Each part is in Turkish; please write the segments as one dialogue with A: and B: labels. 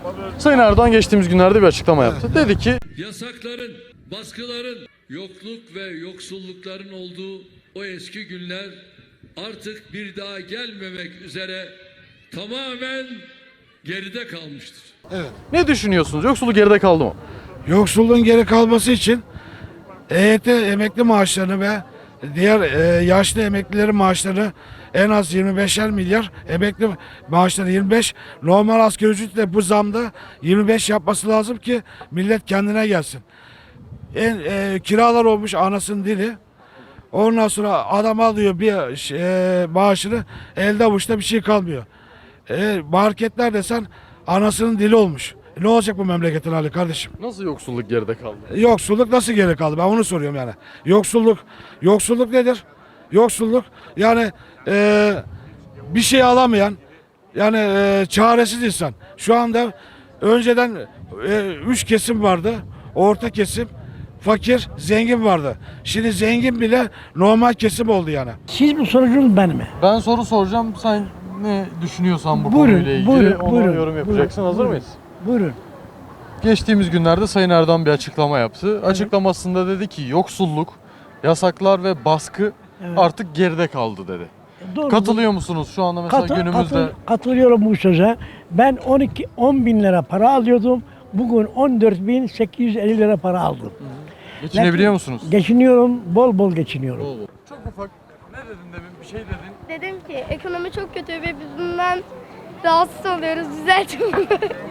A: Sayın Erdoğan geçtiğimiz günlerde bir açıklama yaptı. Dedi ki
B: yasakların, baskıların, yokluk ve yoksullukların olduğu o eski günler artık bir daha gelmemek üzere tamamen geride kalmıştır.
C: Evet.
A: ne düşünüyorsunuz? Yoksulluk geride kaldı mı?
C: Yoksulluğun geri kalması için EYT emekli maaşlarını ve diğer yaşlı emeklilerin maaşlarını en az 25'er milyar, emekli maaşları 25, normal asgari ücretle bu zamda 25 yapması lazım ki millet kendine gelsin. Kiralar olmuş anasının dili. Ondan sonra adam alıyor bir maaşını, elde avuçta bir şey kalmıyor. Marketler desen anasının dili olmuş. Ne olacak bu memleketin hali kardeşim?
A: Nasıl yoksulluk geride kaldı?
C: Yoksulluk nasıl geri kaldı? Ben onu soruyorum yani. Yoksulluk nedir? Yoksulluk yani bir şey alamayan, yani çaresiz insan. Şu anda önceden üç kesim vardı. Orta kesim, fakir, zengin vardı. Şimdi zengin bile normal kesim oldu yani.
D: Siz mi sorucunuz ben mi?
A: Ben soru soracağım. Sen ne düşünüyorsan bu
D: Buyurun,
A: konuyla ilgili
D: buyurun,
A: ona
D: buyurun,
A: yorum yapacaksın.
D: buyurun,
A: Hazır
D: buyurun.
A: mıyız?
D: Buyurun.
A: Geçtiğimiz günlerde Sayın Erdoğan bir açıklama yaptı. Açıklamasında dedi ki yoksulluk, yasaklar ve baskı artık geride kaldı dedi.
D: Doğru.
A: Katılıyor musunuz şu anda mesela günümüzde?
D: Katılıyorum bu söze. Ben 10 bin lira para alıyordum. Bugün 14.850 lira para aldım.
A: Geçinebiliyor musunuz?
D: Geçiniyorum, bol bol geçiniyorum.
A: Çok ufak. Ne dedin demin? Bir şey dedin.
E: Dedim ki ekonomi çok kötü ve biz bundan rahatsız oluyoruz. Düzeltin bunu.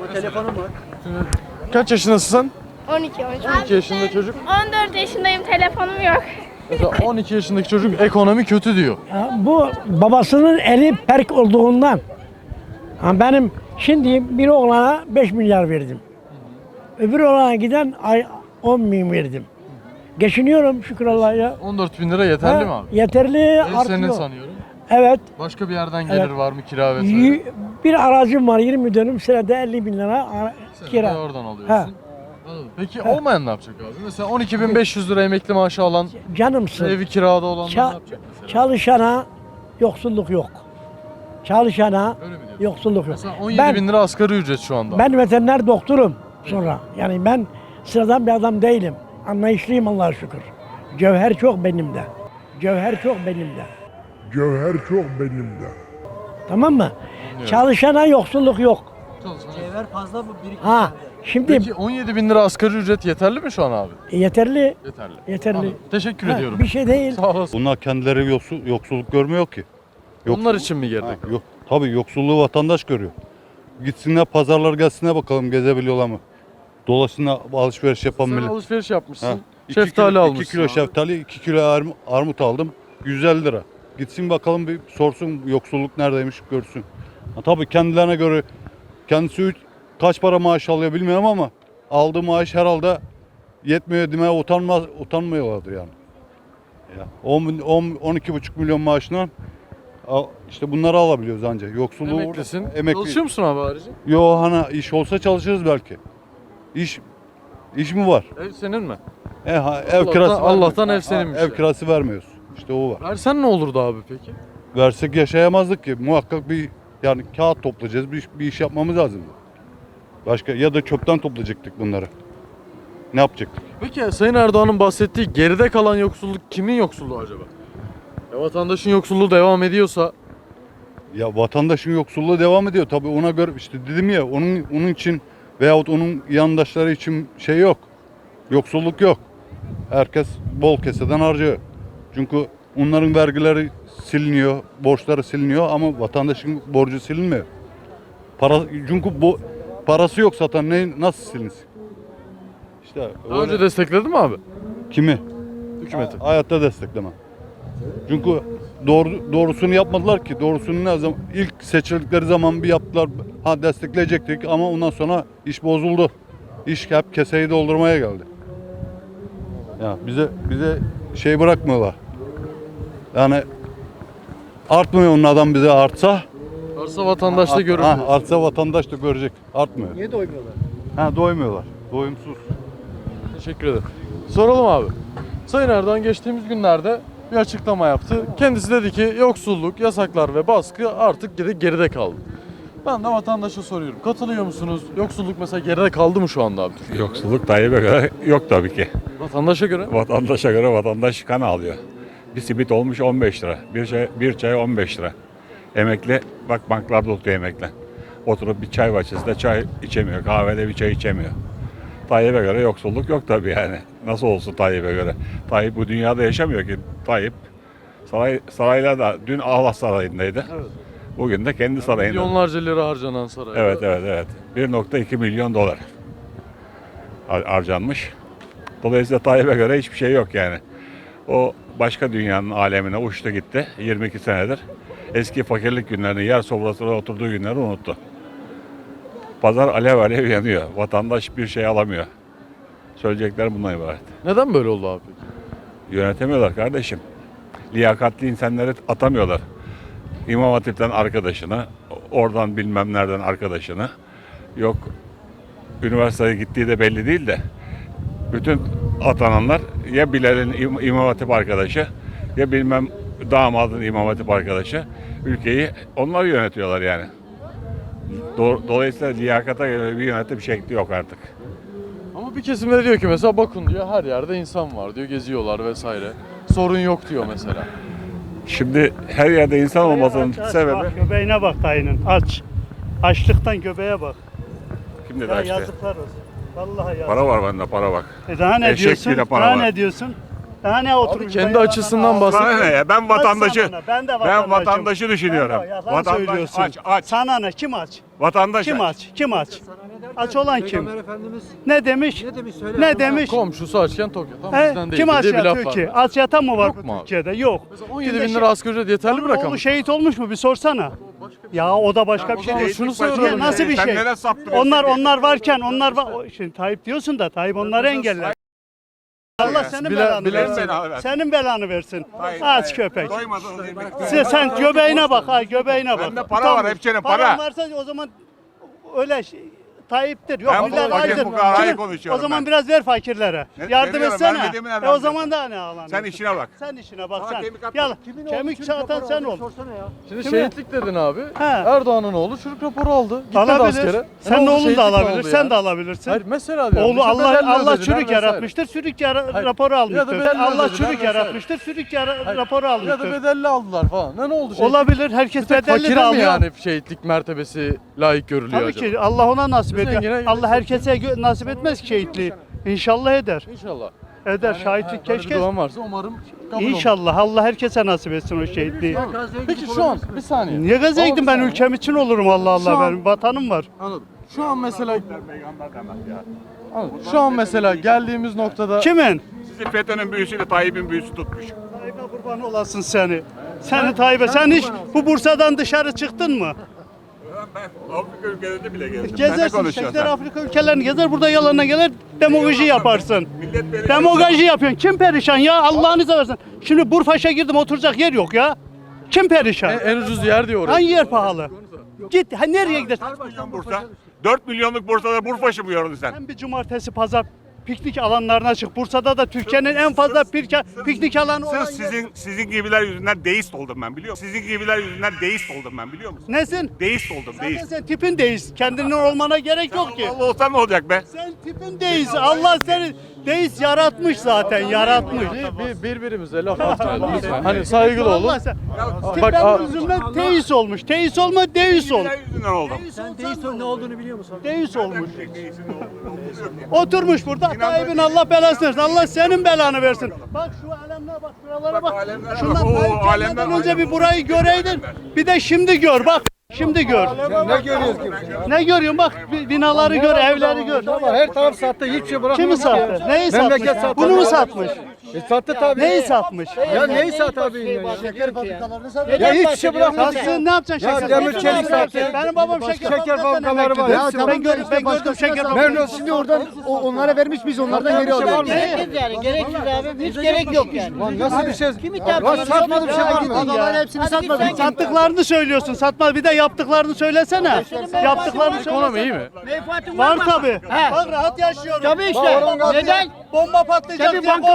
A: Kaç yaşındasın
E: 12.
A: 12 yaşında çocuk.
E: 14 yaşındayım, telefonum yok.
A: Mesela 12 yaşındaki çocuk ekonomi kötü diyor.
D: Bu babasının eli perk olduğundan. Benim şimdi bir oğlana 5 milyar verdim. Öbür oğlana giden ay 10 bin verdim. Geçiniyorum şükür Allah'a.
A: 14 bin lira yeterli mi abi?
D: Yeterli,
A: Ev
D: artıyor.
A: senin sanıyorum.
D: Evet.
A: Başka bir yerden gelir
D: Evet.
A: var mı kira vesaire?
D: Bir aracım var 20 dönüm, senede 50 bin lira
A: Sen de
D: kira.
A: oradan alıyorsun.
D: Ha.
A: Anladım. Peki olmayan ne yapacak abi? Mesela 12.500 lira emekli maaşı alan,
D: Canımsın.
A: evi kirada olanlar ne
D: Ça-
A: yapacak mesela?
D: Çalışana yoksulluk yok. Çalışana
A: Öyle mi diyorsun?
D: yoksulluk yok.
A: Mesela 17
D: Ben,
A: bin lira asgari ücret şu anda.
D: ben veteriner doktorum sonra. Yani ben sıradan bir adam değilim. Anlayışlıyım Allah'a şükür. Cevher çok benimde. Cevher çok benimde.
F: Cevher çok benimde.
D: Tamam mı? Çalışana yoksulluk yok. Ha, şimdi
A: Peki 17 bin lira asgari ücret yeterli mi şu an abi?
D: yeterli.
A: Yeterli.
D: Yeterli.
A: Anladım. Teşekkür
D: Ha,
A: ediyorum.
D: bir şey değil.
A: Sağ olasın.
G: Bunlar kendileri yoksulluk görmüyor ki.
A: Onlar için mi geride?
G: Yok. Tabii yoksulluğu vatandaş görüyor. Gitsinler pazarlar gelsinler bakalım gezebiliyorlar mı? Dolaşsınlar alışveriş yapan
A: Sen
G: millet.
A: alışveriş yapmışsın.
G: Ha,
A: Şeftali almışsın.
G: 2 kilo
A: abi.
G: şeftali, 2 kilo armut aldım. 150 lira. Gitsin bakalım bir sorsun yoksulluk neredeymiş görsün. Ha, tabii kendilerine göre kendisi kaç para maaş alıyor bilmiyorum ama aldığı maaş herhalde yetmiyor demeye utanmıyorlardır yani. Ya 12,5 milyon maaşından işte bunları alabiliyoruz ancak. Yoksulluğu
A: Emeklisin.
G: Emekli.
A: Çalışıyor musun abi harici?
G: Yo hani iş olsa çalışırız belki. İş mi var?
A: Ev senin mi?
G: Ev kirası
A: Allah'tan
G: vermiyoruz.
A: ev seninmiş
G: Ev
A: yani.
G: kirası vermiyoruz. İşte o var.
A: Versen ne olurdu abi peki?
G: Versek yaşayamazdık ki. Muhakkak bir yani kağıt toplayacağız. Bir iş yapmamız lazım. Başka ya da çöpten toplayacaktık bunları. Ne yapacaktık?
A: Peki Sayın Erdoğan'ın bahsettiği geride kalan yoksulluk kimin yoksulluğu acaba? Vatandaşın yoksulluğu devam ediyorsa
G: Ya vatandaşın yoksulluğu devam ediyor. Tabii ona göre işte dedim ya onun için veyahut onun yandaşları için şey yok. Yoksulluk yok. Herkes bol keseden harcıyor. Çünkü onların vergileri siliniyor, borçları siliniyor ama vatandaşın borcu silinmiyor. Çünkü parası yok zaten nasıl silinsin? İşte
A: daha önce destekledi mi abi?
G: kimi?
A: Hükümeti.
G: Hayatta desteklemem. Çünkü doğrusunu yapmadılar ki. Doğrusunu ne zaman ilk seçildikleri zaman bir yaptılar. Ha destekleyecektik ama ondan sonra iş bozuldu. İş hep keseyi doldurmaya geldi. Ya bize şey bırakmıyorlar. Yani artmıyor onun adam bize artsa.
A: Varsa vatandaş da görür.
G: Artsa vatandaş da görecek. Artmıyor. Niye doymuyorlar? Doymuyorlar. Doyumsuz.
A: Teşekkür ederim. Soralım abi. Sayın Erdoğan geçtiğimiz günlerde bir açıklama yaptı. Kendisi dedi ki yoksulluk, yasaklar ve baskı artık geride kaldı. Ben de vatandaşa soruyorum. Katılıyor musunuz? Yoksulluk mesela geride kaldı mı şu anda abi Türkiye'de?
H: Yoksulluk Tayyip'e göre yok tabii ki.
A: Vatandaşa göre.
H: Vatandaşa göre vatandaş kan alıyor. Bir simit olmuş 15 lira. Bir çay 15 lira. Emekli bak banklarda oturuyor emekli. Oturup bir çay bahçesinde çay içemiyor. Kahvede bir çay içemiyor. Tayyip'e göre yoksulluk yok tabii yani. Nasıl olsun Tayyip'e göre? Tayyip bu dünyada yaşamıyor ki. Tayyip saraylarda dün Allah Sarayı'ndaydı.
A: Evet.
H: Bugün de kendi sarayında.
A: Milyonlarca lira harcanan saray.
H: Evet. 1,2 milyon dolar harcanmış. Dolayısıyla Tayyip'e göre hiçbir şey yok yani. O başka dünyanın alemine uçtu gitti 22 senedir. Eski fakirlik günlerini, yer sofrasına oturduğu günleri unuttu. Pazar alev alev yanıyor. Vatandaş bir şey alamıyor. Söyleyecekler bundan ibaret.
A: Neden böyle oldu abi peki?
H: Yönetemiyorlar kardeşim. Liyakatli insanları atamıyorlar. İmam Hatip'ten arkadaşını, oradan bilmem nereden arkadaşını. Yok üniversiteye gittiği de belli değil de bütün atananlar ya Bilal'in İmam Hatip arkadaşı ya bilmem damadın İmam Hatip arkadaşı. Ülkeyi onlar yönetiyorlar yani. Dolayısıyla liyakata göre bir yönetim şekli yok artık.
A: Ama bir kesimde diyor ki mesela bakın diyor her yerde insan var diyor geziyorlar vesaire. Sorun yok diyor mesela.
H: Şimdi her yerde insan olmasının
I: Aç,
H: sebebi
I: bak, göbeğine bak dayının aç. Açlıktan göbeğe bak.
H: kim dedi
I: Ya
H: işte.
I: yazıklar olsun. Vallahi yazık.
H: Para var bende para bak.
I: Daha ne
H: Eşek
I: diyorsun?
H: bile para
I: Daha
H: var.
I: ne diyorsun? Daha ne
A: Abi
I: oturmuş?
A: kendi
I: dayı
A: açısından
I: bana-
A: bahsediyor.
H: Sana ne ya? Ben vatandaşı
I: Sana ne? Ben de
H: ben
I: vatandaşım.
H: vatandaşı düşünüyorum.
I: Yalan
H: Vatandaş
I: söylüyorsun.
H: aç.
I: Sana ne? Kim aç?
H: Vatandaş
I: Kim
H: aç.
I: aç? Kim aç? Aç olan kim? Ne demiş? Ne demiş?
A: Komşusu açken tok yatan
I: He?
A: bizden değil
I: Kim aç
A: diye bir laf
I: yatıyor
A: var.
I: ki? Aç yatan mı var
A: Yok
I: bu
A: mu abi?
I: Türkiye'de? Yok.
A: Mesela 17 bin lira asgari ücret yeterli bir
I: Onun
A: rakam.
I: oğlu şehit olmuş mu? Bir sorsana. Ya o da başka bir şey
A: Ama
I: değil.
A: şunu
I: Ya
A: soruyorum.
I: nasıl bir
H: Sen
I: şey?
H: neden saptırıyorsun
I: Onlar varken Şimdi Tayyip diyorsun da Tayyip onları engeller. Allah senin belanı
A: bilen
I: versin.
H: belanı versin.
I: Senin belanı versin. Aç köpek.
H: Doymadınız yemek.
I: Sen göbeğine bak, ha göbeğine bak.
H: Bende para var, hepsinin para.
I: Paran varsa o zaman öyle Tayyip'tir. Yok
H: Ben
I: millet
H: fakir
I: açtır.
H: fukarayı
I: Şimdi
H: konuşuyorum
I: O zaman
H: ben.
I: biraz ver fakirlere. Yardım
H: veriyorum,
I: etsene.
H: vermediğimi nereden
I: O
H: biliyorsun?
I: zaman da ne ağlanıyorsun?
H: Sen işine bak.
I: Sen işine bak
H: Sana
I: sen.
H: kemik atma.
I: Gel. Kemik çatan sen ol.
A: Şimdi
I: Kimi?
A: şehitlik dedin abi.
I: He.
A: Erdoğan'ın oğlu çürük raporu aldı. Gitmedi
I: Alabilir.
A: askere.
I: Senin
A: Ne oldu?
I: oğlun da
A: Şehitlik mi
I: alabilir.
A: oldu
I: Sen
A: yani?
I: de alabilirsin.
A: Hayır mesela diyorum.
I: Oğlu
A: işte
I: Allah
A: bedelli
I: Allah
A: ödediler
I: çürük
A: vesaire.
I: yaratmıştır. Çürük
A: Hayır.
I: raporu
A: Ya da
I: almıştır.
A: bedelli
I: Allah
A: ödediler
I: çürük
A: vesaire.
I: yaratmıştır. Çürük raporu
A: Ya da
I: almıştır.
A: bedelli aldılar falan. Ne oldu şehitlik?
I: Olabilir. Herkes
A: Bir tek
I: bedelli de
A: fakire mi
I: alıyor.
A: yani şehitlik mertebesi layık görülüyor
I: Tabii
A: acaba?
I: ki Allah ona nasip ediyor.
A: Zengine
I: Allah herkese nasip etmez ki şehitliği. İnşallah eder.
A: İnşallah.
I: Eder.
A: Yani,
I: Şahitlik
A: böyle bir
I: keşke.
A: duam varsa umarım kabul olur.
I: İnşallah Allah herkese nasip etsin o şehitliği.
A: Peki şu an bir saniye.
I: Niye gaza
A: Ama
I: gittim
A: bir
I: ben
A: saniye.
I: ülkem için olurum Allah
A: Şu
I: Allah
A: an-
I: benim vatanım var.
A: Anladım. Şu an mesela Anladım. Şu an mesela geldiğimiz noktada
I: Kimin?
H: Sizi FETÖ'nün büyüsüyle Tayyip'in büyüsü tutmuş.
I: Tayyip'e kurban olasın seni. Seni Tayyip'e. Sen hiç bu Bursa'dan dışarı çıktın mı?
H: Ben Afrika ülkelerinde bile gezdim.
I: Gezersin, Şekler Afrika ülkelerini gezer, burada yalanına gelir, demagoji yaparsın. Demagoji yapıyorsun. Kim perişan ya? Allah'ını seversen. Şimdi Burfaş'a girdim, oturacak yer yok ya. Kim perişan?
A: en ucuz yer diyor orası.
I: Hangi yer pahalı? Git, nereye gidersin?
H: 4 milyonluk Bursa'da Burfaşı mı yordun sen?
I: Sen bir cumartesi, pazar piknik alanlarına çık. Bursa'da da Türkiye'nin en fazla piknik alanı olan
H: Sırf
I: yer.
H: sizin gibiler yüzünden deist oldum ben biliyor musun? Sizin gibiler yüzünden deist oldum ben biliyor musun?
I: Nesin?
H: Deist oldum
I: Zaten
H: deist.
I: sen tipin deist. Kendinin olmana gerek yok ki.
H: Allah olsan ne olacak be?
I: Sen tipin deist. Allah seni deist yaratmış zaten, yaratmış.
A: Birbirimize laf atmayalım lütfen. Hani saygılı olun.
I: Allah sen.
A: Bak,
I: Tipler yüzünden teist olmuş. Teist olma, deist ol.
H: Gibiler yüzünden oldum.
I: Deist olmuş. Oturmuş burada. Tayyip'in Allah belasını versin. Allah senin belanı versin. Bak şu alemlere bak, şuralara bak.
H: alemlere bak.
I: Şundan
H: Oo,
I: Tayyip gelmeden
H: alemler,
I: önce bir burayı göreydin. Bir de şimdi gör bak. Şimdi gör.
J: Ne görüyoruz ki?
I: Ne görüyorsun bak binaları gör, evleri gör.
J: Ama her taraf sattı, hiçbir şey bırakmadı.
I: Kimi sattı? Neyi
J: Memleket
I: satmış?
J: sattı.
I: Bunu mu satmış?
J: Sattı tabii.
I: Neyi satmış?
J: Ya neyi sattı abi? Şeker fabrikalarını sattı. Ya hiçbir şey bırakmadı.
I: Satsın ne yapacaksın
J: Ya
I: şeker?
J: demir
I: fabrikaları?
J: çelik sattı.
I: Benim babam şeker
J: fabrikaları var.
I: Ya
J: Hepsi
I: ben gördüm şeker fabrikaları.
J: Memnun şimdi oradan onlara vermiş biz onlardan geri alıyoruz.
K: Gereksiz yani, gereksiz abi. Hiç gerek yok yani.
J: Lan nasıl bir şey?
K: Kimi
J: Lan satmadı bir şey var mı?
K: Adamlar hepsini satmadı.
I: Sattıklarını söylüyorsun. Satma bir de yaptıklarını söylesene. Yaptıklarını
A: Ekonomi iyi
I: söylesene.
A: mi?
K: Menfaatin
I: Var
K: mı?
I: tabii.
K: He.
I: Bak rahat yaşıyorum.
K: Tabii işte. Neden?
I: Bomba patlayacak
K: Tabii
I: diye
K: bankamatik
I: korkmuyorum.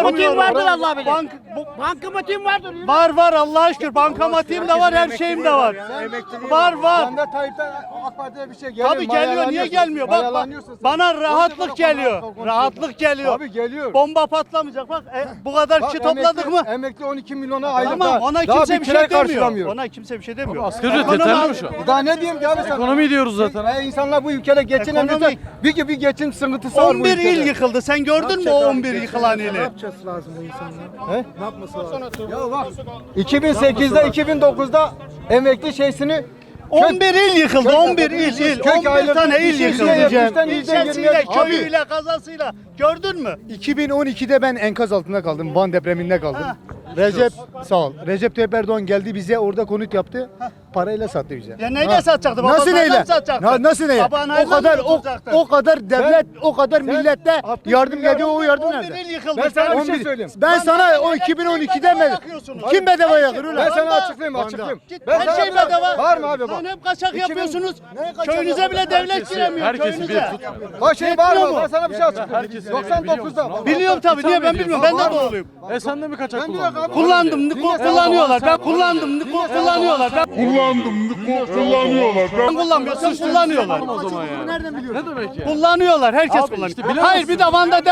K: vardır Allah bilir.
I: Bank,
K: Bankamatiğim vardır.
I: var Allah'a şükür. Bankamatiğim de var, her şeyim de var. Var.
J: Sen de Tayyip'ten AK Parti'ye bir şey geliyor.
I: Tabii geliyor, niye gelmiyor? Bak bana rahatlık geliyor. Rahatlık geliyor.
J: Abi geliyor.
I: Bomba patlamayacak. Bak bu kadar kişi topladık mı?
J: Emekli 12 milyona aylık.
I: Tamam, ona kimse bir şey demiyor. Ona kimse bir şey demiyor.
A: Asgari ücret yeterli mi şu an?
J: Daha ne diyeyim ki abi sen?
A: Ekonomi diyoruz zaten.
J: İnsanlar bu ülkede geçinemiyorsa bir geçim sıkıntısı var bu
I: 11
J: ülkede.
I: il yıkıldı. Sen gördün mü o 11 yıkılan ili?
J: lazım bu insanlar? He? Ne yapması lazım? Ya bak 2008'de 2009'da emekli şeysini
I: 11 il yıkıldı. 11 il. 11 tane il yıkıldı. İlçesiyle, köyüyle, kazasıyla. Gördün mü?
J: 2012'de ben enkaz altında kaldım. Van depreminde kaldım. Recep sağ ol. Recep Tayyip Erdoğan geldi bize orada konut yaptı. Parayla sattı bize.
I: Ya neyle satacaktı?
J: Nasıl
I: Babasından
J: neyle?
I: mı satacaktı?
J: Nasıl neyle?
I: Babana
J: O kadar
I: oturacaktı.
J: o kadar devlet, o kadar millette yardım geliyor, o yardım
I: 11
J: nerede?
I: il yıkıldı.
J: Ben sana bir şey söyleyeyim. Ben sana o 2012'de mi? Kim bedava yakır ulan? Ben sana açıklayayım.
I: Her şey bedava.
J: Var mı abi bak?
I: Lan hep kaçak yapıyorsunuz. Köyünüze bile devlet giremiyor.
A: Herkesi bir
I: Köyünüze.
A: tutmuyor.
J: Bak şey var
I: Yetmiyor
J: mı?
I: mu?
J: Ben sana bir şey açıklayayım.
A: Herkesi biliyor
J: 99'da.
I: Biliyorum tabii. Niye ben bilmiyorum. Ben de doğuluyum.
A: Sen de mi kaçak
J: Ben
A: kullandın?
J: diyor abi.
I: Kullandım. Kullanıyorlar. Ben kullandım. Kullanıyorlar. Ben
F: kullanıyorlar.
I: kullanmıyorum. Siz kullanıyorlar.
A: O zaman ya.
J: Nereden biliyorsun?
A: Ne demek ya?
I: Kullanıyorlar. Herkes
A: Abi
I: kullanıyor.
A: işte bilemezsin.
I: Hayır bir de Van'da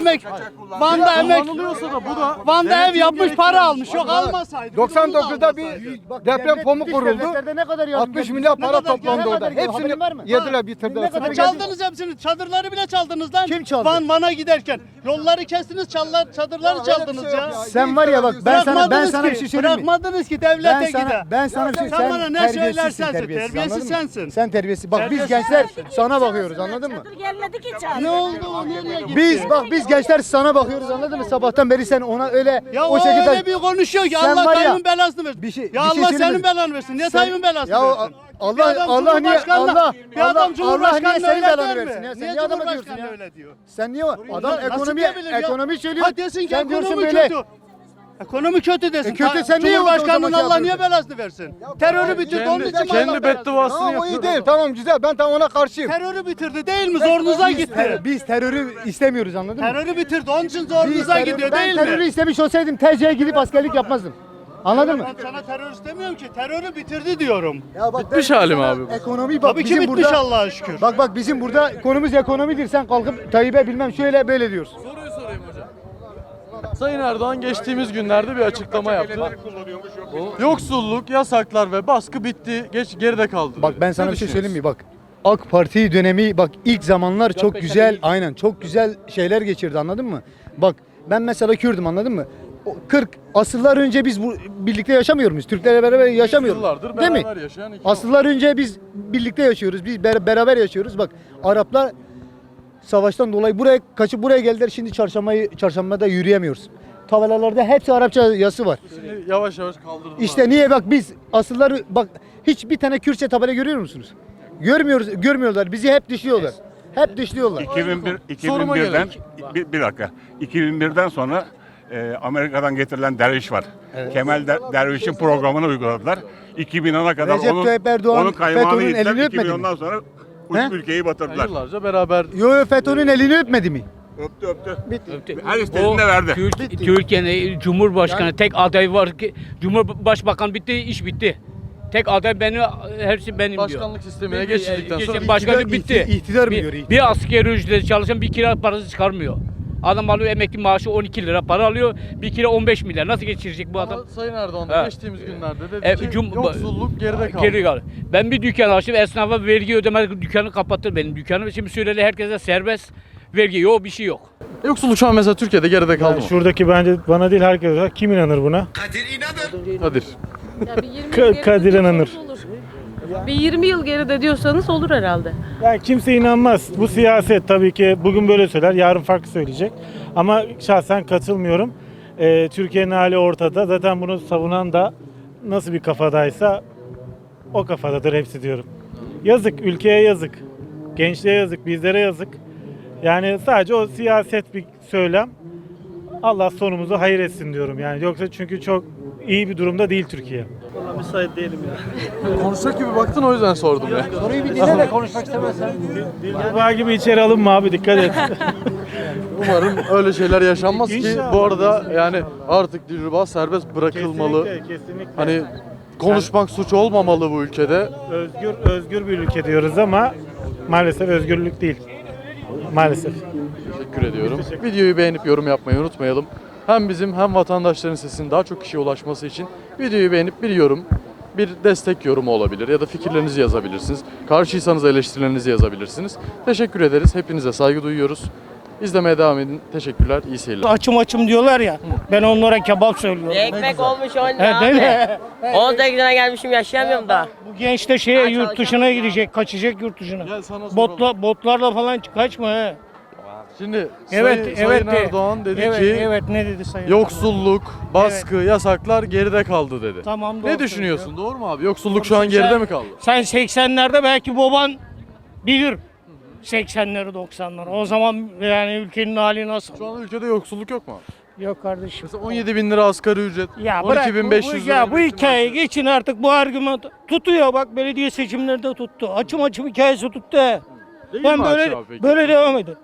I: Van'da emek.
A: Kullanılıyorsa da bu da
I: Van'da ev
A: denetim
I: yapmış
A: gerektiği
I: para
A: için.
I: almış. Yok almasaydı.
J: 99'da bir deprem fomu kuruldu.
C: Ne kadar yardım
J: 60 milyar para
I: kadar-
J: toplandı
I: ne
J: orada.
C: kadar geliyor? Haberin var mı?
J: Hepsini yediler bitirdiler.
C: Ne kadar
I: Çaldınız hepsini. Çadırları bile çaldınız lan.
C: Kim çaldı?
I: Van'a giderken. Yolları kestiniz, çadırları çaldınız ya.
C: Sen var ya bak ben sana bir şey söyleyeyim mi?
I: Bırakmadınız ki devlete gider.
C: Ben sana bir şey
I: Sen bana ne
C: terbiyesizsin,
I: söylersen
C: terbiyesiz,
I: terbiyesiz
C: anladın mı?
I: sensin.
C: Sen terbiyesiz. Bak biz
I: Terbiyesiz
C: gençler sana bakıyoruz anladın mı?
K: Gelmedi ki çağır.
I: Ne oldu o nereye gitti?
C: Biz gençler sana bakıyoruz anladın mı? Sabahtan beri sen ona öyle
I: Ya
C: o şekilde
I: öyle bir konuşuyor ki
C: Sen
I: Allah
C: var ya,
I: Tayyip'in belasını versin.
C: bir şey-
I: Ya
C: bir şey
I: Allah
C: söyleyeyim
I: senin
C: mi?
I: belanı versin. Niye
C: Sen-
I: Tayyip'in belasını
C: Ya
I: versin?
C: Allah-
I: Bir adam
C: Allah niye-
I: Cumhurbaşkanına-
C: Allah-
I: bir adam
C: Allah- Allah niye
I: Cumhurbaşkanına
C: senin
I: öyle
C: belanı
I: der mi?
C: versin ya? Sen
I: Niye
C: niye adama
I: Cumhurbaşkanı
C: diyorsun ya?
I: öyle diyor?
C: sen niye adam
I: Nasıl diyebilir ya?
C: ekonomi söylüyor.
I: Ha desin ki
C: Sen diyorsun
I: ekonomi
C: böyle.
I: kötü. Ekonomi kötü desin.
C: Kötü, sen niye o
I: Cumhurbaşkanının
C: zaman şey
I: Allah niye
C: yapıyorsun?
I: belasını versin? Terörü bitirdi onun için mi Allah
A: Kendi
I: belasını
A: bedduasını
J: Tamam o
A: yapıyor.
J: iyi değil. Tamam güzel. Ben tam ona karşıyım.
I: Terörü bitirdi değil mi? Zorunuza gitti.
C: Biz terörü istemiyoruz anladın mı?
I: Terörü bitirdi. Onun için zorunuza gidiyor
C: Ben
I: değil
C: terörü
I: mi?
C: istemiş olsaydım TC'ye gidip askerlik yapmazdım. Anladın mı?
I: Ben sana terör istemiyorum ki. Terörü bitirdi diyorum.
C: Ya bak
A: Bitmiş halim abi bu.
C: ekonomi bak
I: Tabii ki
C: bizim
I: bitmiş
C: burada.
I: Allah'a şükür.
C: Bak bizim burada konumuz ekonomidir. Sen kalkıp Tayyip'e bilmem şöyle böyle diyorsun.
A: Soruyu sorayım hocam. Sayın Erdoğan geçtiğimiz günlerde bir açıklama yaptı. Yoksulluk, yasaklar ve baskı bitti, geride kaldı.
C: Bak ben sana
A: Ne
C: bir şey
A: düşünüyorsun?
C: söyleyeyim mi? Bak AK Parti dönemi bak ilk zamanlar çok güzel aynen çok güzel şeyler geçirdi anladın mı? Bak ben mesela Kürdüm anladın mı? 40 asırlar önce biz bu birlikte yaşamıyor muyuz? Türklerle beraber yaşamıyoruz.
A: Yıllardır
C: Değil mi?
A: beraber yaşayan iki
C: Asırlar önce biz birlikte yaşıyoruz. Biz beraber yaşıyoruz. Bak Araplar savaştan dolayı buraya kaçıp buraya geldiler. Şimdi çarşambada yürüyemiyoruz. Tabelalarda hepsi Arapça yazısı var.
A: Şimdi yavaş yavaş kaldırdılar.
C: İşte niye bak biz asılları bak hiçbir tane Kürtçe tabela görüyor musunuz? Görmüyorlar. Bizi hep dışlıyorlar. Hep dışlıyorlar.
H: 2001'den bir dakika. 2001'den sonra Amerika'dan getirilen derviş var. Kemal Derviş'in programını uyguladılar. 2010'a kadar
C: Recep Tayyip Erdoğan
H: onun kaymağını
C: FETÖ'nün
H: yediler.
C: elini öpmedi mi?
H: 2010'dan sonra
C: He?
H: ülkeyi batırdılar.
A: Yıllarca beraber
C: Yo FETÖ'nün elini öpmedi mi?
H: Öptü. Her istediğinde verdi.
L: Türkiye'nin Cumhurbaşkanı tek aday var ki Cumhurbaşkanı bitti, iş bitti. Tek aday benim, hepsi benim diyor.
A: başkanlık sistemine geçildikten sonra
L: Başkanlık bitti.
C: İktidar mı görüyor?
L: Bir asgari ücreti çalışan bir kira parası çıkarmıyor. Adam alıyor emekli maaşı 12 lira para alıyor. Bir kira 15 milyar. Nasıl geçirecek bu adam?
A: ama Sayın Erdoğan da
L: Ha.
A: geçtiğimiz günlerde dedi ki
L: Cum-
A: yoksulluk geride kaldı.
L: Geri kaldı. Ben bir dükkan açtım. Esnafa vergi ödemedik. Dükkanı kapattı benim dükkanım. Şimdi söyledi herkese serbest vergi. Yok bir şey yok.
A: Yoksulluk şu an mesela Türkiye'de geride kaldı mı?
M: Şuradaki bence bana değil herkese. Kim inanır buna?
A: Kadir.
N: Ya bir 20 yıl geride
M: Kadir
N: diyorsanız
M: inanır.
N: olur. Bir 20 yıl geride diyorsanız olur herhalde.
M: Yani kimse inanmaz. Bu siyaset tabii ki bugün böyle söyler, yarın farklı söyleyecek. Ama şahsen katılmıyorum. Türkiye'nin hali ortada. Zaten bunu savunan da nasıl bir kafadaysa o kafadadır hepsi diyorum. Yazık, ülkeye yazık. Gençliğe yazık, bizlere yazık. Yani sadece o siyaset bir söylem. Allah sonumuzu hayır etsin diyorum yani. Yoksa çünkü çok iyi bir durumda değil Türkiye.
I: Müsait değilim ya.
A: Konuşacak gibi baktın o yüzden sordum ya.
K: Soruyu bir dinle de konuşmak istemezsen.
M: Dilruba gibi içeri alınma abi dikkat et.
A: Umarım öyle şeyler yaşanmaz ki
M: İnşallah.
A: bu arada yani artık dilrubaz serbest bırakılmalı.
M: Kesinlikle.
A: Hani konuşmak suç olmamalı bu ülkede.
M: Özgür bir ülke diyoruz ama maalesef özgürlük değil. Maalesef.
A: Teşekkür ediyorum. Videoyu beğenip yorum yapmayı unutmayalım. Hem bizim hem vatandaşların sesinin daha çok kişiye ulaşması için videoyu beğenip bir yorum, bir destek yorumu olabilir ya da fikirlerinizi yazabilirsiniz. Karşıysanız eleştirilerinizi yazabilirsiniz. Teşekkür ederiz. Hepinize saygı duyuyoruz. İzlemeye devam edin. Teşekkürler. İyi seyirler.
K: Açım diyorlar ya. Ben onlara kebap söylüyorum.
N: Ekmek olmuş 10
K: He, değil mi?
N: 18'ine gelmişim yaşayamıyorum daha.
K: Bu genç de şeye yurt dışına gidecek, kaçacak yurt dışına.
A: Gel sana soralım.
K: Botlarla falan kaçma he.
A: Şimdi
K: Evet,
A: Sayın Erdoğan dedi ki
K: evet ne dedi Sayın
A: yoksulluk, baskı, yasaklar geride kaldı dedi.
K: Tamam, doğru
A: Ne düşünüyorsun?
K: söylüyor.
A: Doğru mu abi? Yoksulluk şu an geride mi kaldı?
K: Sen 80'lerde belki baban bilir. 80'leri 90'ları. O zaman yani ülkenin hali nasıl?
A: Şu an ülkede yoksulluk yok mu abi?
K: Yok kardeşim.
A: Mesela 17 bin lira asgari ücret,
K: Ya bırak
A: 12.500 lira.
K: ya bu
A: emekli
K: hikayeyi
A: maaşı.
K: geçin artık, bu argüman tutuyor, bak belediye seçimlerinde tuttu. Açım hikayesi tuttu.
A: Değil
K: Ben
A: mi
K: böyle
A: Açı abi peki?
K: böyle devam edin.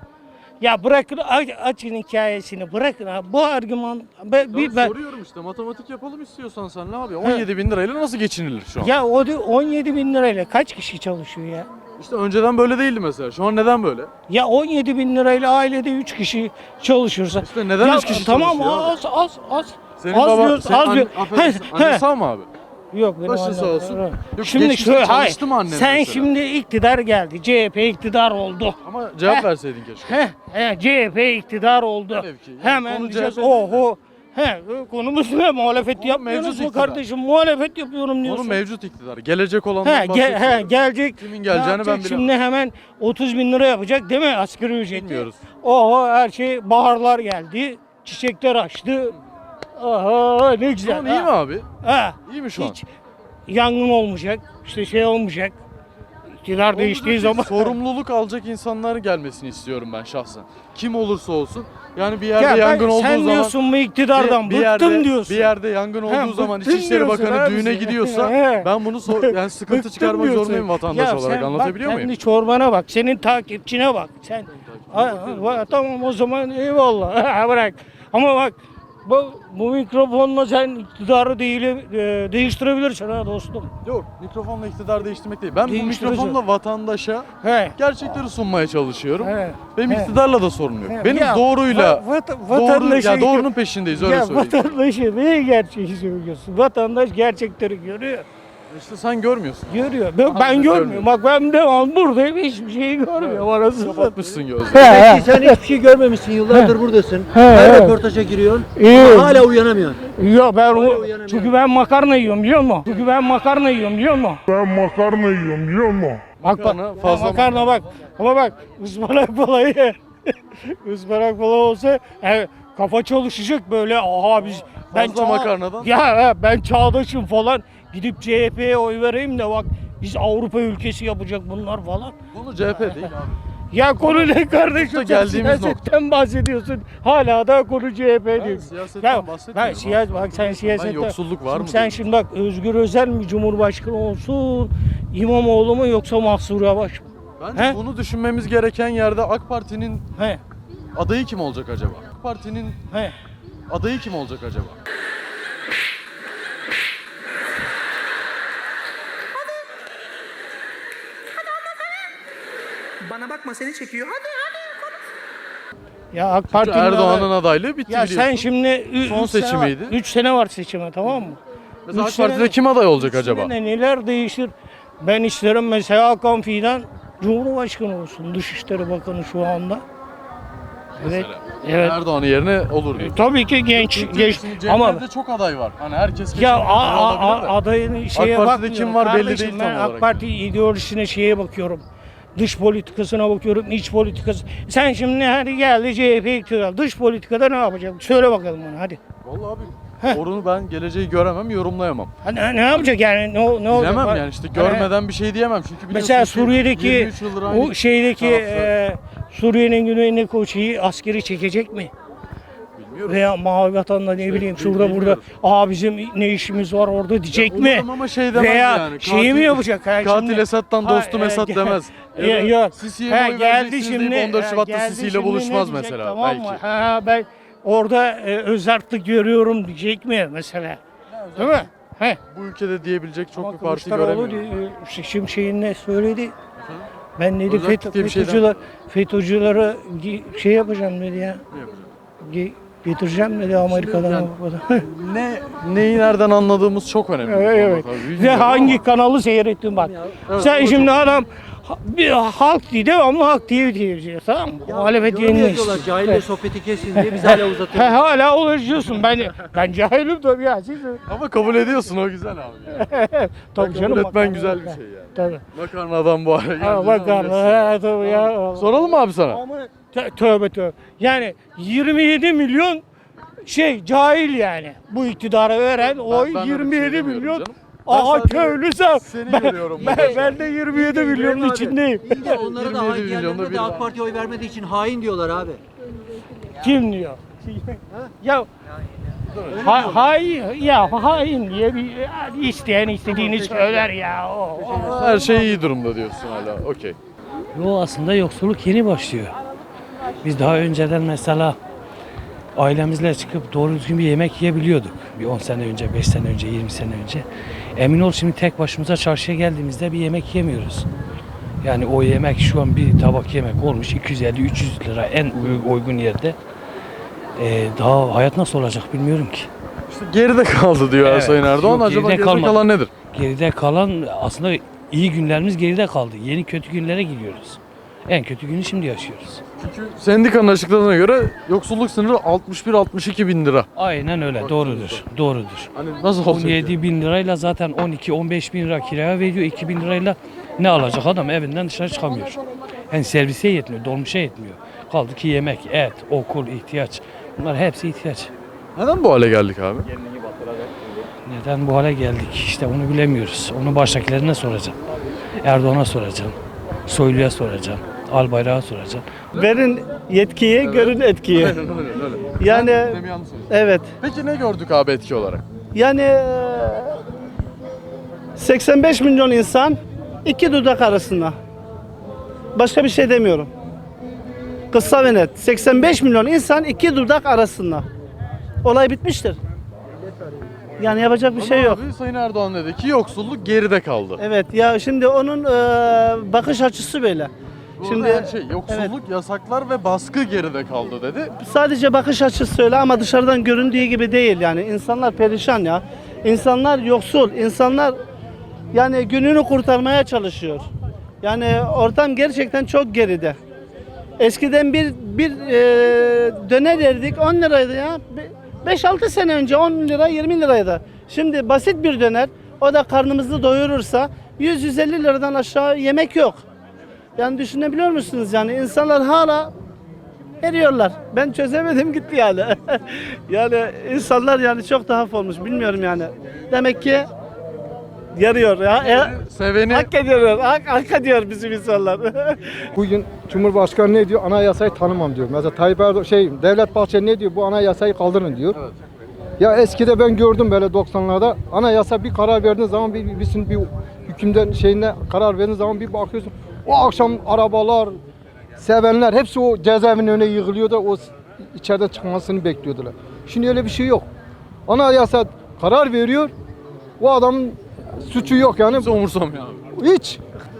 K: Ya bırakın açın hikayesini, bırakın abi. Bu argüman
A: Ben soruyorum işte, matematik yapalım istiyorsan sen ne abi? 17 bin lirayla nasıl geçinilir şu an?
K: ya o 17 bin lirayla kaç kişi çalışıyor ya?
A: İşte önceden böyle değildi mesela. Şu an neden böyle?
K: Ya 17 bin lirayla ailede 3 kişi çalışırsa.
A: İşte neden
K: Ya
A: 3 kişi
K: tamam,
A: çalışıyor abi?
K: az.
A: Senin
K: Az
A: baba,
K: diyoruz,
A: senin
K: az diyor.
A: affedersin,
K: He,
A: annen
K: he.
A: sağ mı abi?
K: Yok benim
A: Başın
K: annem.
A: sağ olsun.
K: Evet.
A: Yok,
K: Şimdi
A: geçmişte
K: şöyle, hayır.
A: çalıştı mı annen
K: Sen
A: mesela?
K: şimdi iktidar geldi. CHP iktidar oldu.
A: Ama cevap
K: Heh.
A: verseydin keşke.
K: CHP iktidar oldu.
A: Velev ki, yani
K: Hemen
A: konu
K: diyeceğiz
A: CHP değil
K: oho. Konumuz ne? Muhalefet yapmıyoruz
A: mevcut
K: mu
A: iktidar.
K: kardeşim? Muhalefet yapıyorum diyorsun.
A: Onu mevcut iktidar. Gelecek olandan bahsetmiyorum.
K: Gelecek.
A: Kimin
K: Ne
A: geleceğini
K: yapacak?
A: ben bilemem.
K: Şimdi hemen 30 bin lira yapacak değil mi asgari ücreti?
A: Bilmiyoruz.
K: Oho, her şey, baharlar geldi. Çiçekler açtı. Aha ne güzel.
A: Şu an iyi mi abi?
K: Ha.
A: İyi mi şu an?
K: Hiç yangın olmayacak. İşte şey olmayacak. İktidar değiştiği zaman.
A: Sorumluluk alacak insanlar gelmesini istiyorum ben şahsen. Kim olursa olsun. Yani bir yerde yangın olduğu
K: sen
A: zaman
K: diyorsun bu iktidardan bıktım diyorsun.
A: Bir yerde yangın olduğu zaman
K: bıktım
A: İçişleri
K: diyorsun
A: Bakanı
K: abi
A: düğüne
K: sen.
A: gidiyorsa
K: He.
A: ben bunu yani sıkıntı
K: Bıktım
A: çıkarmak
K: diyorsun.
A: zorundayım vatandaş
K: Ya
A: olarak.
K: sen
A: Anlatabiliyor
K: bak,
A: muyum?
K: kendi çorbana bak, senin takipçine bak. Sen tamam o zaman eyvallah. Bırak. Ama bak bu mikrofonla sen iktidarı değiştirebilirsin ha dostum.
A: Yok, mikrofonla iktidar değiştirmek değil. Ben bu
K: Değiştirici.
A: mikrofonla vatandaşa
K: He.
A: gerçekleri sunmaya çalışıyorum.
K: He.
A: Benim
K: He.
A: iktidarla da sorun yok.
K: He.
A: Benim
K: Ya,
A: doğruyla
K: vatandaşı-
A: doğrunun peşindeyiz öyle
K: Ya
A: söyleyeyim.
K: vatandaşı neye gerçeği söylüyorsun? Vatandaş gerçekleri görüyor.
A: İşte sen görmüyorsun.
K: Görüyor. Ben görmüyorum. Bak ben devam buradayım, hiçbir şeyi görmüyorum. Arası
A: Kapatmışsın gözlerini.
J: Belki sen hiçbir şey görmemişsin. Yıllardır buradasın. Her röportaja giriyorsun. Ama hala uyanamıyorsun.
K: Yok ben
J: uyanamıyorum.
K: çünkü ben makarna yiyorum biliyor musun?
F: Ben makarna yiyorum biliyor musun?
A: Makarna fazla
K: makarna bak. Ama bak ıspanak balayı ye. Ispanak balığı olsa kafa çalışacak böyle. Aha biz
A: Fazla makarnadan.
K: Ya ben çağdaşım falan. Gidip CHP'ye oy vereyim de bak biz Avrupa ülkesi yapacak bunlar falan.
A: Bunu CHP değil abi.
K: Ya konu ne kardeşim? Sen
A: geldiğimiz
K: siyasetten bahsediyorsun. Hala da konu CHP diyorsun.
A: siyasetten bahsetmiyorum
K: Bak sen siyasetten.
A: yoksulluk var mı
K: Sen
A: diyorum.
K: şimdi bak Özgür Özel mi Cumhurbaşkanı olsun, İmamoğlu mu yoksa Mahsur Yavaş mı?
A: Bence
K: He?
A: bunu düşünmemiz gereken yerde AK Parti'nin
K: He.
A: adayı kim olacak acaba? AK Parti'nin
K: He.
A: adayı kim olacak acaba?
K: Bana bakma seni çekiyor. Hadi. Ya AK Parti'nin
A: Erdoğan'ın adaylığı bitti
K: Ya
A: biliyorsun.
K: sen şimdi
A: Son seçimiydi.
K: 3 sene var seçime, tamam mı?
A: Mesela
K: üç
A: AK Parti'de
K: sene-
A: kim aday olacak
K: Üç
A: acaba?
K: sene neler değişir? Ben isterim mesela Hakan Fidan Cumhurbaşkanı olsun. Dışişleri Bakanı şu anda. Evet. Evet.
A: Erdoğan'ın yerine olur diyor.
K: Tabii ki genç
A: Ama
K: ama
A: çok aday var. Hani herkes
K: ya
A: olabilir de.
K: adayın şeye
A: AK Parti'de
K: bakmıyorum.
A: kim var belli
K: Kardeşim,
A: değil
K: ben
A: tam
K: AK
A: olarak.
K: Parti ideolojisine şeye bakıyorum. Dış politikasına bakıyorum, iç politikası. Sen şimdi hadi geldi CHP iktidar. Dış politikada ne yapacak? Söyle bakalım bana hadi.
A: Vallahi abi onu ben geleceği göremem, yorumlayamam.
K: Ne yapacak yani? Ne olacak?
A: Bilemem
K: Bak,
A: yani işte görmeden bir şey diyemem. Çünkü biliyorsun
K: mesela
A: ki
K: Suriye'deki
A: 23 yıldır aynı
K: o şeydeki
A: tarafta.
K: Suriye'nin güneyindeki o şeyi askeri çekecek mi?
A: Demiyoruz.
K: Veya Mavi Vatan'da ne bileyim şurada burada
A: bilmiyoruz.
K: bizim ne işimiz var orada diyecek mi?
A: Umarım ama şey demez
K: Veya
A: yani.
K: şeyi mi yapacak?
A: Katil Esad'dan dostum Esad demez.
K: Yok.
A: Sisi'ye mi oy vereceksiniz deyip 14 Şubat'ta Sisi'yle buluşmaz mesela.
K: Tamam
A: Belki.
K: mı? Ben orada özerklik görüyorum diyecek mi mesela? Değil mi? He.
A: Bu ülkede diyebilecek çok
K: Ama
A: bir parti
K: Kılıçdaroğlu
A: göremiyorum.
K: Şimşek'in ne söyledi? Ben dedi
A: Özellik diye bir şeyden-
K: FETÖ'cüleri şey yapacağım dedi ya.
A: Ne yapacağız?
K: Getireceğim dedi Amerika'dan.
A: yani-
K: Avrupa'dan.
A: Neyi nereden anladığımız çok önemli.
K: Evet.
A: Tabii,
K: Ve
A: bilmiyorum
K: hangi
A: ama-
K: kanalı seyrettin bak.
A: Evet,
K: Sen
A: o
K: şimdi
A: çok-
K: adam bir halk diye devamlı halk diye diyeceğiz tamam mı? Muhalefet yeniliyiz.
J: Cahille sohbeti kesin diye biz hala uzatıyoruz.
K: Hala ulaşıyorsun. Ben cahilim tabii ya. Siz
A: Ama kabul ediyorsun, o güzel abi.
K: tabii canım.
A: Kabul etmen
K: makarna-
A: güzel bir şey yani.
K: Tabii.
A: Makarnadan bu hale geldi.
K: Ha, makarna. Tabii ya.
A: Soralım mı abi sana?
K: Tövbe tövbe. Yani 27 milyon cahil yani. Bu iktidara veren oy
A: ben öyle bir şey
K: 27
A: demiyorum
K: milyon.
A: canım. Ben
K: Aha
A: sadece
K: köylüsem.
A: seni görüyorum burada şu an.
K: Ben de 27 milyonun içindeyim.
J: İyi de onlara da
A: 27
J: hain
A: milyonda
J: diyenlerine
A: biri
J: de
A: var.
J: AK Parti'ye oy vermediği için hain diyorlar abi.
K: Kim diyor? Ya hain diye bir isteyen istediğini söyler ya.
A: Her şey iyi durumda diyorsun hala. Okey.
D: Yo, aslında yoksulluk yeni başlıyor. Biz daha önceden mesela ailemizle çıkıp doğru düzgün bir yemek yiyebiliyorduk. Bir 10 sene önce, 5 sene önce, 20 sene önce. Emin ol şimdi tek başımıza çarşıya geldiğimizde bir yemek yemiyoruz. Yani o yemek şu an bir tabak yemek olmuş 250-300 lira en uygun yerde. Daha hayat nasıl olacak bilmiyorum ki.
A: İşte geride kaldı diyor
D: Evet,
A: Sayın Erdoğan.
D: yok,
A: Acaba
D: geride
A: geride
D: kalmadı.
A: kalan nedir?
D: Geride kalan aslında iyi günlerimiz geride kaldı. Yeni kötü günlere gidiyoruz. En kötü günü şimdi yaşıyoruz.
A: Çünkü sendikanın açıkladığına göre yoksulluk sınırı 61-62 bin lira.
D: Aynen öyle. Doğrudur. Doğrudur.
A: Hani nasıl olacak?
D: 17 bin lirayla zaten 12-15 bin lira kiraya veriyor. 2 bin lirayla ne alacak adam? Evinden dışarı çıkamıyor. Yani servise yetmiyor, dolmuşa yetmiyor. Kaldı ki yemek, et, okul, ihtiyaç. Bunlar hepsi ihtiyaç.
A: Neden bu hale geldik abi?
D: Neden bu hale geldik? İşte onu bilemiyoruz. Onu baştakilerine soracağım. Erdoğan'a soracağım. Soylu'ya soracağım. Albayrak'a soracağım.
I: Verin yetkiyi, görün etkiyi.
A: Aynen öyle.
I: Yani
A: Sen yanlış söylüyorsun.
I: evet.
A: Peki ne gördük abi etki olarak?
I: Yani 85 milyon insan iki dudak arasında. Başka bir şey demiyorum. Kısa ve net. 85 milyon insan iki dudak arasında. Olay bitmiştir. Yani yapacak bir şey yok.
A: Abi Sayın Erdoğan dedi ki yoksulluk geride kaldı.
I: Evet ya şimdi onun bakış açısı böyle.
A: Şimdi her şey yoksulluk, yasaklar ve baskı geride kaldı dedi.
I: Sadece bakış açısı öyle ama dışarıdan göründüğü gibi değil yani. İnsanlar perişan ya. İnsanlar yoksul. İnsanlar yani gününü kurtarmaya çalışıyor. Yani ortam gerçekten çok geride. Eskiden bir döner yerdik 10 liraydı ya. 5-6 sene önce 10 lira 20 liraydı. Şimdi basit bir döner o da karnımızı doyurursa 100-150 liradan aşağı yemek yok. Yani düşünebiliyor musunuz yani insanlar hala eriyorlar. Ben çözemedim gitti yani. Yani insanlar yani çok tuhaf olmuş bilmiyorum yani. Demek ki yarıyor ya.
A: Seveni
I: Hak ediyor, hak ediyor bizim insanlar.
J: Bugün Cumhurbaşkanı ne diyor? Anayasayı tanımam diyor. Mesela Tayyip Erdoğan Devlet Bahçeli ne diyor? Bu anayasayı kaldırın diyor.
A: Evet.
J: Ya eskide ben gördüm böyle 90'larda anayasa bir karar verdiğin zaman bir hükümden şeyine karar verdiğin zaman bir bakıyorsun o akşam arabalar, sevenler hepsi o cezaevinin önüne yığılıyordu. O içeriden çıkmasını bekliyordular. Şimdi öyle bir şey yok. Anayasa karar veriyor. O adamın suçu yok yani.
A: kimse umursamıyor abi.
J: Hiç.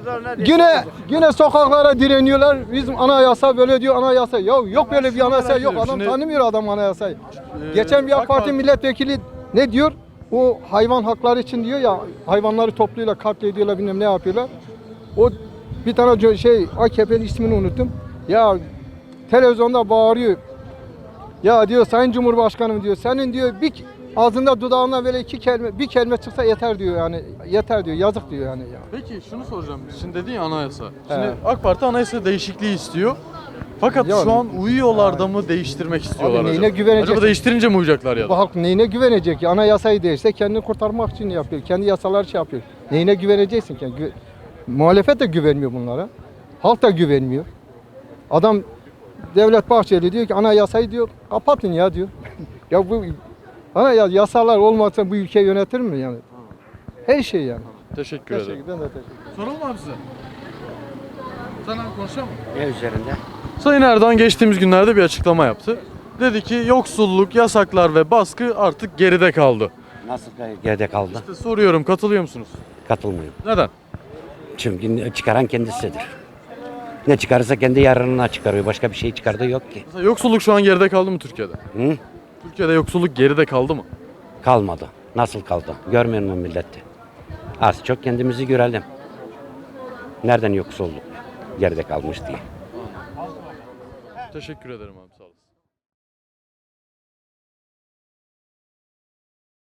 J: Yine sokaklara direniyorlar. Bizim anayasa böyle diyor anayasa. Ya yok böyle bir anayasa yok. Adam
A: Şimdi-
J: tanımıyor adam anayasayı. Geçen bir AK Parti milletvekili ne diyor? O hayvan hakları için diyor ya hayvanları topluyorlar, katlediyorlar bilmem ne yapıyorlar. O bir tane AKP'nin ismini unuttum. Ya televizyonda bağırıyor. Ya diyor Sayın Cumhurbaşkanım diyor senin diyor ağzında dudağından böyle bir kelime çıksa yeter diyor yani yeter diyor yazık diyor yani.
A: Peki şunu soracağım. Şimdi dedin ya anayasa. Şimdi AK Parti anayasa değişikliği istiyor. Fakat
J: Ya-
A: şu an uyuyorlar da mı değiştirmek istiyorlar
J: Abi
A: acaba?
J: neyine güvenecek?
A: Acaba değiştirince mi uyacaklar ya
J: Bu
A: da?
J: halk neyine güvenecek ya? Anayasayı değişse kendini kurtarmak için yapıyor. Kendi yasalar yapıyor. Neyine güveneceksin ki? Muhalefet de güvenmiyor bunlara. Halk da güvenmiyor. Adam Devlet Bahçeli diyor ki anayasayı diyor kapatın ya diyor. Ya bu yasalar olmasa bu ülke yönetir mi yani? Her şey yani.
A: Teşekkür ederim.
J: Ben de teşekkür ederim.
A: Soralım mı abi size? Sen abi konuşalım mı?
L: Ne üzerinde?
A: Sayın Erdoğan geçtiğimiz günlerde bir açıklama yaptı. Dedi ki yoksulluk, yasaklar ve baskı artık geride kaldı.
L: Nasıl geride kaldı?
A: İşte soruyorum, katılıyor musunuz?
L: Katılmıyorum.
A: Neden?
L: Çünkü çıkaran kendisidir. Ne çıkarırsa kendi yararına çıkarıyor. Başka bir şey çıkardığı yok ki.
A: Mesela yoksulluk şu an geride kaldı mı Türkiye'de?
L: Hı?
A: Türkiye'de yoksulluk geride kaldı mı?
L: Kalmadı. Nasıl kaldı? Görmüyor musun milleti? Az çok kendimizi görelim. Nereden yoksulluk geride kalmış diye.
A: Teşekkür ederim abi, sağ olasın.